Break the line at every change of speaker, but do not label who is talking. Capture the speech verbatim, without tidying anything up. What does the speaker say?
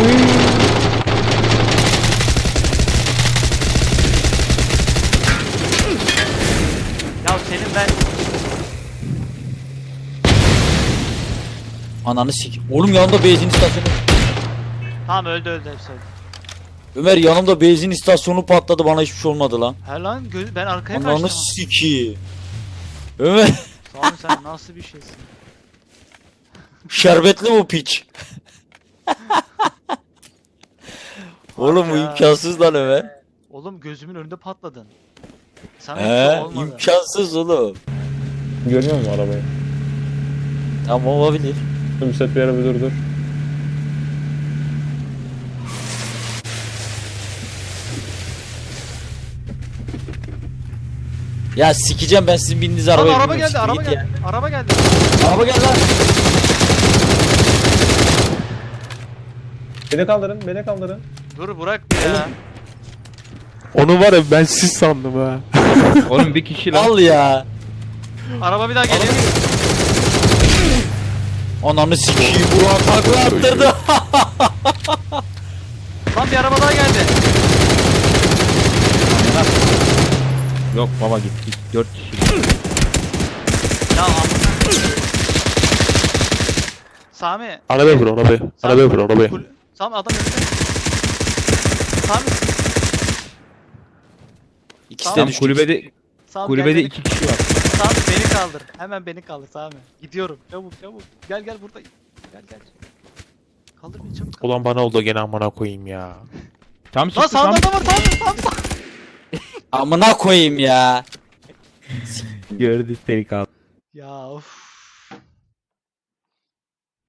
Ya senin ben...
Ananı sik. Oğlum yanımda benzin istasyonu.
Tamam öldü öldü hepsi öldü.
Ömer yanımda benzin istasyonu patladı, bana hiçbir şey olmadı lan.
He lan gö- ben arkaya
Ananı
kaçtım.
siki. Ömer
Sami sen nasıl bir şeysin?
şerbetli bu piç. Oğlum bu
Ya.
imkansız lan Ömer.
Oğlum gözümün önünde patladın. Sana hiç
He,
olmadı.
imkansız oğlum.
Görüyor musun arabayı?
Tamam olabilir.
Müsait bir yere bir dur dur.
Ya sikeceğim ben sizin bindiğiniz
Lan
arabaya.
araba
binmiyorum,
geldi,
siktir
araba
git ya.
geldi. Araba geldi.
Araba geldi lan.
Beni kaldırın, beni kaldırın.
Dur bırak bir ya.
Onu var ya ben siz sandım ha.
Oğlum bir kişi lan.
Al ya.
Araba bir daha geliyor.
Ananı sikeyim, Burak takla attırdı.
Lan bir araba daha geldi.
Yok baba git git dört kişi.
Ya amına. Sami.
Arabaya vur arabaya. Arabaya vur arabaya.
Kul- Sami adam önünde. Sami.
İkisi de
Tamam,
düştü.
Kulübede
Sami
kulübede
gel beni-
iki kişi var.
Sami beni kaldır. Hemen beni kaldır Sami. Gidiyorum. Çabuk çabuk. Gel gel buradayım. Gel gel. Kaldır beni çabuk. Kaldır.
Ulan bana oldu gene amına koyayım ya.
Tam
Lan
çıktı
sağda
tam.
da var Sami. Sami Sami.
Amına koyayım ya.
Gördü seni kaldı.
Ya of.